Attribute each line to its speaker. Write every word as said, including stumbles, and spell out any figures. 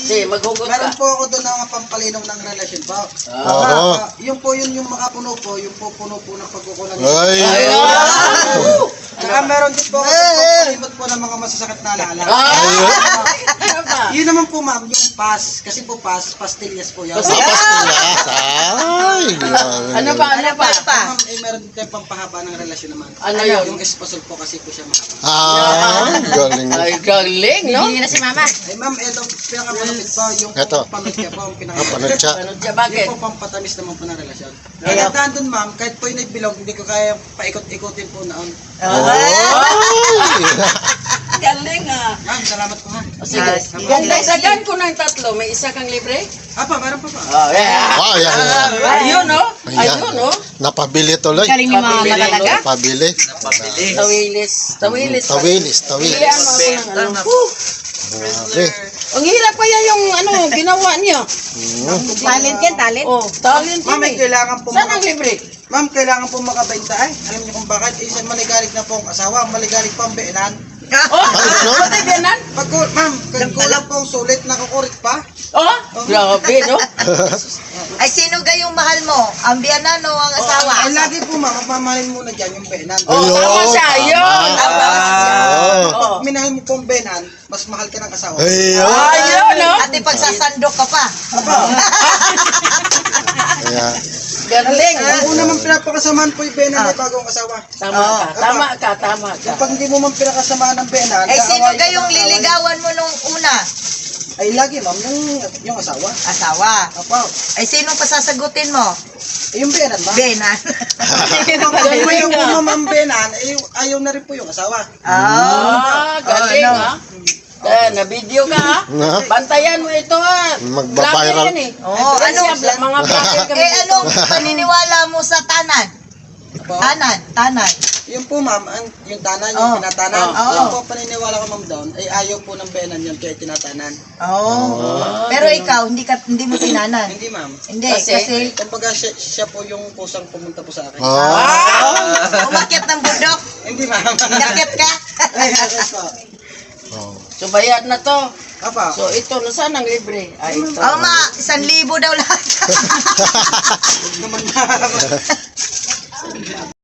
Speaker 1: Sige, maghugot
Speaker 2: Meron
Speaker 1: ka.
Speaker 2: po ako doon ng mga pampalinaw ng relasyon po.
Speaker 3: Oo.
Speaker 2: Ah, yung po yun yung makapuno po, yung po puno po ng pagkukulang.
Speaker 3: Ay.
Speaker 1: Ayun!
Speaker 2: Saka meron din po ako pampalimot po ng mga masasakit na alaala.
Speaker 1: Ah! Ano ba?
Speaker 2: Yun naman po ma'am, yung pas. Kasi po pas, pastillas po yan.
Speaker 3: Ah, pastillas. Ay, grabe.
Speaker 1: Ano ba? Ano ba?
Speaker 2: Ma'am, eh meron din tayong pampahaba ng relasyon naman.
Speaker 1: Ano yun?
Speaker 2: Yung esposol po kasi po siya mahaba.
Speaker 3: Ah, galing.
Speaker 1: Ay, galing, no?
Speaker 4: Hindi na si mama.
Speaker 2: Eh ma'am, ito pinakamalapit po, yung
Speaker 3: Ito.
Speaker 2: pamilya po, ang
Speaker 3: Ah,
Speaker 2: pinaka-
Speaker 3: panatsa.
Speaker 1: Ano siya, bakit?
Speaker 2: Yung po pampatamis naman po ng relasyon.
Speaker 1: Ay,
Speaker 2: Kaya daan dun ma'am, kahit po yung nagbilog, hindi ko kaya paikot-ikutin po noon.
Speaker 3: Ay.
Speaker 1: Galing, ah.
Speaker 2: Ma'am, salamat po ha.
Speaker 1: O, sige.
Speaker 4: Ah,
Speaker 1: Kung dagdagan ko ng tatlo, may isa kang libre?
Speaker 2: Apa, meron pa pa.
Speaker 1: Oh, yeah.
Speaker 3: Oh, yan.
Speaker 1: Ayun, no?
Speaker 3: Ayan.
Speaker 1: Ayun, no?
Speaker 3: Napabili tuloy.
Speaker 4: Galing ni mama
Speaker 1: Pabili,
Speaker 4: talaga.
Speaker 3: Napabili.
Speaker 1: Tawilis. Tawilis.
Speaker 3: Tawilis, tawilis.
Speaker 1: Pilihan mo ako ng ano. Whew!
Speaker 3: Grabe.
Speaker 1: Ang hirap kaya yung ano, ginawa niyo.
Speaker 3: Mm.
Speaker 4: Talent yan, talent.
Speaker 1: Oh, talent
Speaker 2: Ma'am,
Speaker 1: yun
Speaker 2: may
Speaker 1: eh.
Speaker 2: kailangan po
Speaker 1: Saan ang
Speaker 2: maka-
Speaker 1: libre?
Speaker 2: Ma'am, kailangan po makabenta ay. Alam niyo kung bakit? Isa maligalig na po ang asawa, maligalig pa ang beanan.
Speaker 1: Oh,
Speaker 3: Ano?
Speaker 1: ano biyanan?
Speaker 2: Pag ma'am, kung kulang po ang sulit, nakukurit pa.
Speaker 1: Oh, grabe, no?
Speaker 4: Ay, sino gayong mahal mo? Ang biyanan o ang asawa?
Speaker 2: Ay, lagi po ma'am, mapamahalin muna dyan yung beanan.
Speaker 1: Oh, tama siya, yun.
Speaker 3: Tama.
Speaker 1: Oh.
Speaker 2: Pag minahal mo po ang beanan, mas mahal ka ng asawa.
Speaker 3: Ayun.
Speaker 1: Ayun, no?
Speaker 4: At ipagsasandok ka pa.
Speaker 3: Ayan.
Speaker 1: Galing.
Speaker 2: Ang una man pinapakasamahan po yung beanan ay bago ang asawa.
Speaker 1: Tama ka, tama ka, tama ka.
Speaker 2: Pag hindi mo man pinakasamahan ng beanan,
Speaker 4: Ay, sino
Speaker 2: kaawayin ka
Speaker 4: gayong
Speaker 2: ng kaawayin.
Speaker 4: liligawan mo nung una?
Speaker 2: Ay, lagi ma'am, yung, yung asawa.
Speaker 4: Asawa.
Speaker 2: Apo,
Speaker 4: Ay, sinong pasasagutin mo?
Speaker 2: eh, yung beanan ma'am.
Speaker 4: Benan.
Speaker 2: Pag ayaw po ma'am ang beanan, eh, ayaw na rin po yung asawa.
Speaker 1: Ah, galing,
Speaker 4: Oh, no.
Speaker 1: ha? Eh, na-video ka, ha?
Speaker 3: Na?
Speaker 1: Bantayan mo ito, ha?
Speaker 3: Magbabiral.
Speaker 1: Vlogger yan, eh.
Speaker 4: Oo,
Speaker 1: Ay,
Speaker 4: ano?
Speaker 1: siya, mga vlogger kami.
Speaker 4: Eh, anong paniniwala mo sa tanan?
Speaker 2: Apo,
Speaker 4: Tanan, tanan.
Speaker 2: yung po ma'am, ang, yung tanan, yung
Speaker 4: Oh.
Speaker 2: pinatanan.
Speaker 1: Oh.
Speaker 2: Yung
Speaker 4: Oh.
Speaker 2: po paniniwala ko ma'am doon, ay ayaw po ng beanan yun kaya tinatanan.
Speaker 4: Oo.
Speaker 1: Ah,
Speaker 4: Pero
Speaker 1: ganun.
Speaker 4: ikaw, hindi ka hindi mo tinanan.
Speaker 2: Hindi ma'am.
Speaker 4: Hindi,
Speaker 1: Kasi?
Speaker 4: kasi,
Speaker 2: Kumbaga siya, siya po yung kusang pumunta po sa akin.
Speaker 3: Ah.
Speaker 4: umakyat ng bundok.
Speaker 2: Hindi ma'am.
Speaker 4: Inakyat ka.
Speaker 2: Ay, okay po.
Speaker 3: Oh.
Speaker 1: So, bayad na to.
Speaker 2: Apa,
Speaker 1: So, ito, nasaan ang libre? Ay, ito.
Speaker 4: Oo, ma, isang libo daw lahat.
Speaker 2: huwag naman ma'am.